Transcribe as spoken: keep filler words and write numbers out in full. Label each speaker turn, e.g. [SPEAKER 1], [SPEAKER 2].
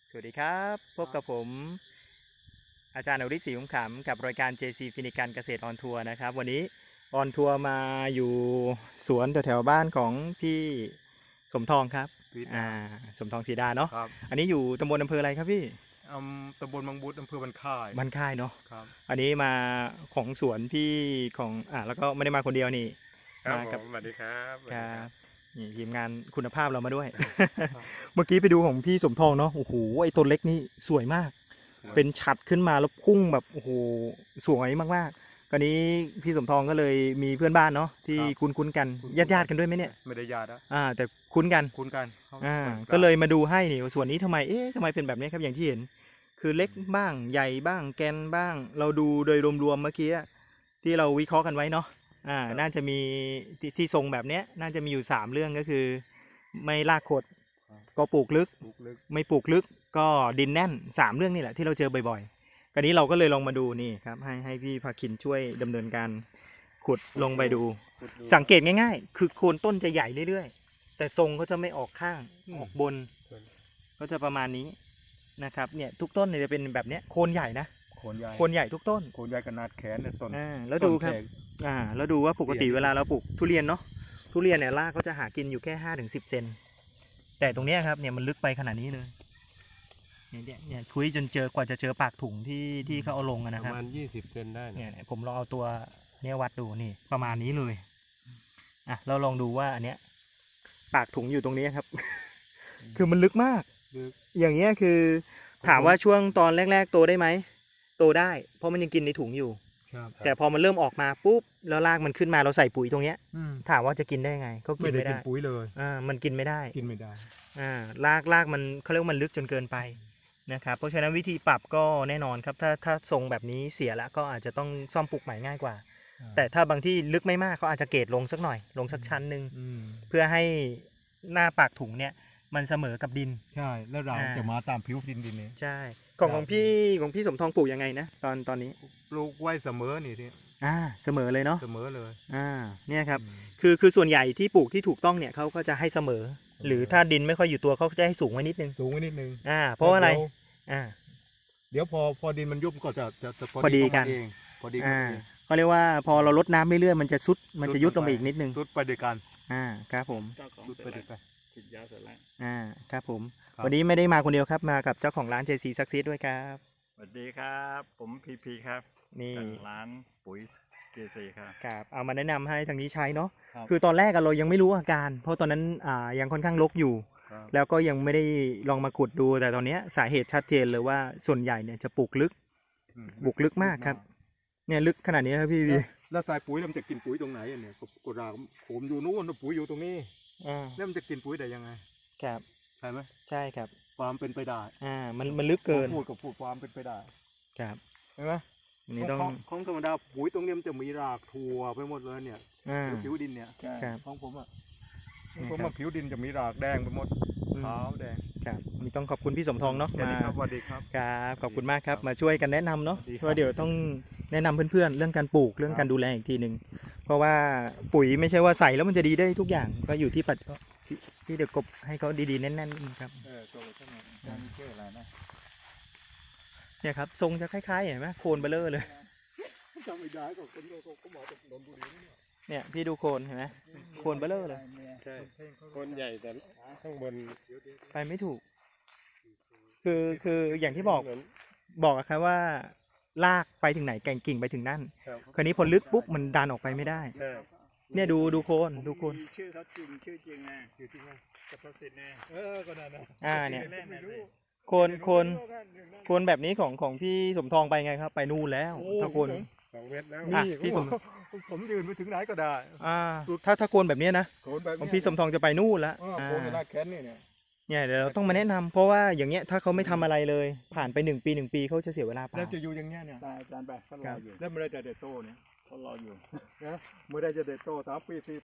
[SPEAKER 1] สวัสดีครับพบกับผมอาจารย์อริศรีคุ้มขำกับรายการ เจ ซี ฟินิกันเกษตรออนทัวร์นะครับวันนี้ออนทัวร์มาอยู่สวนแถวๆบ้านของพี่สมทองครับอ่าสมทองศรีดาเนาะ
[SPEAKER 2] ครับ
[SPEAKER 1] อันนี้อยู่ตำบลอำเภออะไรครับพี่
[SPEAKER 2] อำตำบลบางบุตรอำเภอบันค่าย
[SPEAKER 1] บ้านค่ายเนาะ
[SPEAKER 2] ครับ
[SPEAKER 1] อันนี้มาของสวนพี่ของอ่าแล้วก็ไม่ได้มาคนเดียวนี่
[SPEAKER 2] ครับ
[SPEAKER 1] มา
[SPEAKER 2] ผ
[SPEAKER 1] กับ
[SPEAKER 2] มสวัสดีครับ
[SPEAKER 1] ครับนี่ทีมงานคุณภาพเรามาด้วย เมื่อกี้ไปดูของพี่สมทองเนาะโอ้โหไอ้ต้นเล็กนี่สวยมาก เป็นฉัดขึ้นมาแล้วพุ่งแบบโอ้โหสวยมากๆคราวนี้พี่สมทองก็เลยมีเพื่อนบ้านเนาะที่คุ้นคุ้นกันญาติญาติกันด้วยไหมเนี่ย
[SPEAKER 2] ไม่ได้ญาตินะ
[SPEAKER 1] อ่าแต่คุ้นกัน
[SPEAKER 2] คุ้นกัน
[SPEAKER 1] อ่าก็เลยมาดูให้นี่ส่วนนี้ทำไมเอ๊ะทำไมเป็นแบบนี้ครับอย่างที่เห็น คือเล็กบ้างใหญ่บ้างแกนบ้าง เราดูโดยรวมๆเมื่อกี้ที่เราวิเคราะห์กันไว้เนาะอ่าน่าจะมีที่ที่ทรงแบบเนี้ยน่าจะมีอยู่สามเรื่องก็คือ ไม่ลากขดก็ปลูกลึก
[SPEAKER 2] ปลูกลึก
[SPEAKER 1] ไม่ปลูกลึกก็ดินแน่นสามเรื่องนี่แหละที่เราเจอบ่อยๆคราวนี้เราก็เลยลองมาดูนี่ครับให้ให้พี่ภาคินช่วยดำเนินการขุดลงไปดู
[SPEAKER 2] ขุดดู
[SPEAKER 1] สังเกตง่ายๆ คือโคนต้นจะใหญ่เรื่อยๆแต่ทรงก็จะไม่ออกข้าง
[SPEAKER 2] อืม
[SPEAKER 1] ออกบน ก็จะประมาณนี้นะครับเนี่ยทุกต้นเนี่ยจะเป็นแบบเนี้ยโคนใหญ่นะ
[SPEAKER 2] โคนใหญ่
[SPEAKER 1] โคนใหญ่ทุกต้น
[SPEAKER 2] โคนใหญ่ขนาดแขนเนี่ยต้น
[SPEAKER 1] อ่าแล้วดูครับ
[SPEAKER 2] ต้นแขน
[SPEAKER 1] อ่าแล้วดูว่าปกติ
[SPEAKER 2] เปลี่ยน
[SPEAKER 1] เวลาเราปลูกทุเรียนเนาะทุเรียนเนี่ยรากเขาจะหากินอยู่แค่ห้าถึงสิบเซนแต่ตรงเนี้ยครับเนี่ยมันลึกไปขนาดนี้เลยเนี่ยเนี่ยเนี่ยคุยจนเจอกว่าจะเจอปากถุงที่ที่เขาเอาลงอะ
[SPEAKER 2] ป
[SPEAKER 1] นะครับ
[SPEAKER 2] ระมาณยี่สิบเซนได้นะ
[SPEAKER 1] เนี่ยเนี่ยผมลองเอาตัวเนี่ยวัดดูนี่ประมาณนี้เลยอ่ะเราลองดูว่าอันเนี้ยปากถุงอยู่ตรงนี้ครับ คือมันลึกมาก
[SPEAKER 2] ลึก
[SPEAKER 1] อย่างเงี้ยคือถามว่าช่วงตอนแรกๆโตได้ไหมโตได้ เพราะมันยังกินในถุงอยู่
[SPEAKER 2] ครับ
[SPEAKER 1] แต่พอมันเริ่มออกมาปุ๊บแล้วรากมันขึ้นมาเราใส่ปุ๋ยตรงเนี้ย
[SPEAKER 2] อืม
[SPEAKER 1] ถามว่าจะกินได้ไงก็กิ
[SPEAKER 2] ไม่
[SPEAKER 1] น
[SPEAKER 2] ได้
[SPEAKER 1] ไม่
[SPEAKER 2] กิน
[SPEAKER 1] ได้
[SPEAKER 2] ปุ๋ยเลย
[SPEAKER 1] อ่ามันกินไม่ได้
[SPEAKER 2] กินไม่ได้
[SPEAKER 1] อ่ารากรากมันเขาเรียกว่ามันลึกจนเกินไปนะครับเพราะฉะนั้นวิธีปรับก็แน่นอนครับถ้าถ้าทรงแบบนี้เสียแล้วก็อาจจะต้องซ่อมปลูกใหม่ง่ายกว่า แต่ถ้าบางที่ลึกไม่มากเขาอาจจะเกรดลงสักหน่อยลงสักชั้นหนึ่ง
[SPEAKER 2] อืม
[SPEAKER 1] เพื่อให้หน้าปากถุงเนี่ยมันเสมอกับดิน
[SPEAKER 2] ใช่แล้วเรา
[SPEAKER 1] อ่า
[SPEAKER 2] จะมาตามผิวดินดินนี้
[SPEAKER 1] ใช่ของ
[SPEAKER 2] ครับ
[SPEAKER 1] ของพี่ของพี่สมทองปลูกยังไงนะตอนตอนนี้
[SPEAKER 2] ปลูกไว้เสมอนี่ที่
[SPEAKER 1] อ่าเสมอเลยเนาะ
[SPEAKER 2] เสมอเลย
[SPEAKER 1] อ่าเนี่ยครับ
[SPEAKER 2] อืม
[SPEAKER 1] คือคือส่วนใหญ่ที่ปลูกที่ถูกต้องเนี่ยเขาก็จะให้เสมอ หรือถ้าดินไม่ค่อยอยู่ตัวเขาก็จะให้สูงไว้นิดนึง
[SPEAKER 2] สูงไว้นิดนึง
[SPEAKER 1] อ่าเพราะว่าอะไร
[SPEAKER 2] ดี๋ยว
[SPEAKER 1] อ่า
[SPEAKER 2] เดี๋ยวพอพอดินมันยุบก็จะจะจะ
[SPEAKER 1] พอดีกัน
[SPEAKER 2] เข้ามาเองพอดีกัน
[SPEAKER 1] อ่า
[SPEAKER 2] เอง
[SPEAKER 1] เขาเรียกว่าพอเราลดน้ำเรื่อยๆมันจะซุดมันจะยุดลงไปอีกนิดนึง
[SPEAKER 2] รุดไปด้วยกัน
[SPEAKER 1] อ่าครับผม
[SPEAKER 3] เจ้าของ
[SPEAKER 2] รุด
[SPEAKER 3] เสร็จ
[SPEAKER 2] ไปด้
[SPEAKER 3] แล้ว
[SPEAKER 2] วยกัน
[SPEAKER 3] ฉีดยาเสร็จแล้ว
[SPEAKER 1] อ่าครับผม
[SPEAKER 2] ครับ
[SPEAKER 1] วันนี้ไม่ได้มาคนเดียวครับมากับเจ้าของร้าน เจ ซี Success ด้วยครับ
[SPEAKER 3] สวัสดีครับ ผมพีพีครับ
[SPEAKER 1] นี่
[SPEAKER 3] จากร้านปุ๋ยเจซีครับ
[SPEAKER 1] ครับเอามาแนะนำให้ทางนี้ใช้เนาะ
[SPEAKER 2] ครับ
[SPEAKER 1] คือตอนแรกอะเรายังไม่รู้อาการ เพราะตอนนั้นอ่ายังค่อนข้างรกอยู่
[SPEAKER 2] ครับ
[SPEAKER 1] แล้วก็ยังไม่ได้ลองมาขุดดูแต่ตอนเนี้ยสาเหตุชัดเจนเลยว่าส่วนใหญ่เนี่ยจะปลูกลึก
[SPEAKER 2] อืม
[SPEAKER 1] ปลูกลึกมากครับ เนี่ยลึกขนาดนี้ครับพี่วี
[SPEAKER 2] แล้วสายปุ๋ยแล้วมันจะกินปุ๋ยตรงไหนอะเนี่ยก็กรากผมอยู่นู้นแล้วปุ๋ยอยู่ตรงนี้
[SPEAKER 1] อ่า
[SPEAKER 2] แล้วมันจะกินปุ๋ยได้ยังไง
[SPEAKER 1] ครับ
[SPEAKER 2] ใช่ไหม
[SPEAKER 1] ใช่ครับ
[SPEAKER 2] ความเป็นไปได้
[SPEAKER 1] อ่ามันมันลึกเกิน
[SPEAKER 2] พูดกับพูดความเป็นไปได้
[SPEAKER 1] ครับ
[SPEAKER 2] ใช่ไหม
[SPEAKER 1] อันนี้ต้อง
[SPEAKER 2] ขของธรรมดาปุ๋ยตรงนี้มันจะมีรากทั่วไปหมดเลยเนี่ย
[SPEAKER 1] อ่า
[SPEAKER 2] ผิวดินเนี่ย
[SPEAKER 1] ครับ
[SPEAKER 2] ของผมอ่ะข
[SPEAKER 1] นี่
[SPEAKER 2] องผม
[SPEAKER 1] ครั
[SPEAKER 2] อะ
[SPEAKER 1] บ
[SPEAKER 2] ผิวดินจะมีรากแดงไปหมด
[SPEAKER 1] อืม
[SPEAKER 2] ขาวแดง
[SPEAKER 1] ครับนี่ต้องขอบคุณพี่สมทองเนาะ
[SPEAKER 2] สวัส
[SPEAKER 1] มา
[SPEAKER 2] ดีครับสวัสดีครับ
[SPEAKER 1] ครับขอบคุณมากครับ
[SPEAKER 2] ครับ
[SPEAKER 1] มาช่วยกันแนะนำเนาะ
[SPEAKER 2] สวัสดีครับ
[SPEAKER 1] เพราะเดี๋ยวต้องแนะนำเพื่อนๆเรื่องการปลูกเรื่องการดูแลอีกทีหนึ่งเพราะว่าปุ๋ยไม่ใช่ว่าใส่แล้วมันจะดีได้ทุกอย่างก็อยู่ที่ปัจที่ที่เดี๋ยวกบให้เขาดีๆแน่นๆครับ
[SPEAKER 2] เออตัวใช่ไหมจะมีชื่ออะไรนะ
[SPEAKER 1] เนี่ยครับทรงจะคล้ายๆเห็นไหมโคนเบลเลอร์เลย
[SPEAKER 2] จำไม่ได้ก็คนก็ก็บอกจากนนทบุรีเนี่ย
[SPEAKER 1] เนี่ยพี่ดูโคนเห็นไหมโคนเบลเลอร์เลย
[SPEAKER 2] ใช่คนใหญ่แต่ข้างบน
[SPEAKER 1] ไปไม่ถูก คือคืออย่างที่บอกบอกอะครับว่าลากไปถึงไหนแก่งกิ่งไปถึงนั่น
[SPEAKER 2] ครับ
[SPEAKER 1] คราวนี้พอลึกปุ๊บมันดันออกไปไม่ได้
[SPEAKER 2] ใช่
[SPEAKER 1] เนี่ยดูดูโคนดูโคน
[SPEAKER 3] มีชื่อเขาจริงชื่อจริงนะ
[SPEAKER 2] อยู่ที่นั่น
[SPEAKER 3] จักรสิทธิ์นะ
[SPEAKER 2] เออก็นั่นนะ
[SPEAKER 1] อ่าเนี่ย
[SPEAKER 3] เล่นๆนะสิ
[SPEAKER 1] โคนโคนโคนแบบนี้ของของพี่สมทองไปไงครับ ไปนู่นแล้วถ้าโคน
[SPEAKER 2] สองเมตรแล้ว
[SPEAKER 1] อ่ะพี่
[SPEAKER 2] พี่
[SPEAKER 1] ส
[SPEAKER 2] ส
[SPEAKER 1] ม
[SPEAKER 2] มผมยืนไปถึงไหนก็ได้
[SPEAKER 1] อ่าถ้าถ้าโคนแบบเนี้ยนะ
[SPEAKER 2] โคนแบบ
[SPEAKER 1] ของพี่สมทองจะไปนู่นแล้ว
[SPEAKER 2] อ่า
[SPEAKER 1] อ่า
[SPEAKER 2] โคนเวลาแขนนี่เนี่ย
[SPEAKER 1] เนี่ยเดี๋ยวเราต้องมาแนะนำเพราะว่าอย่างเงี้ยถ้าเขาไม่ทำอะไรเลย ผ่านไปหนึ่งปีหนึ่งปีเขาจะเสียเวลาเป
[SPEAKER 2] แล้ว
[SPEAKER 1] ล่า
[SPEAKER 2] จะอยู่อย่างเงี้ยเนี่ย
[SPEAKER 3] ได้อาจารย์ไปเขารออยู่
[SPEAKER 2] แล้วเมื่อไรจะเด็ดโตเนี่ย
[SPEAKER 3] เขารออยู่
[SPEAKER 2] นะเมื่อไรจะเด็ดโตสามปีสี่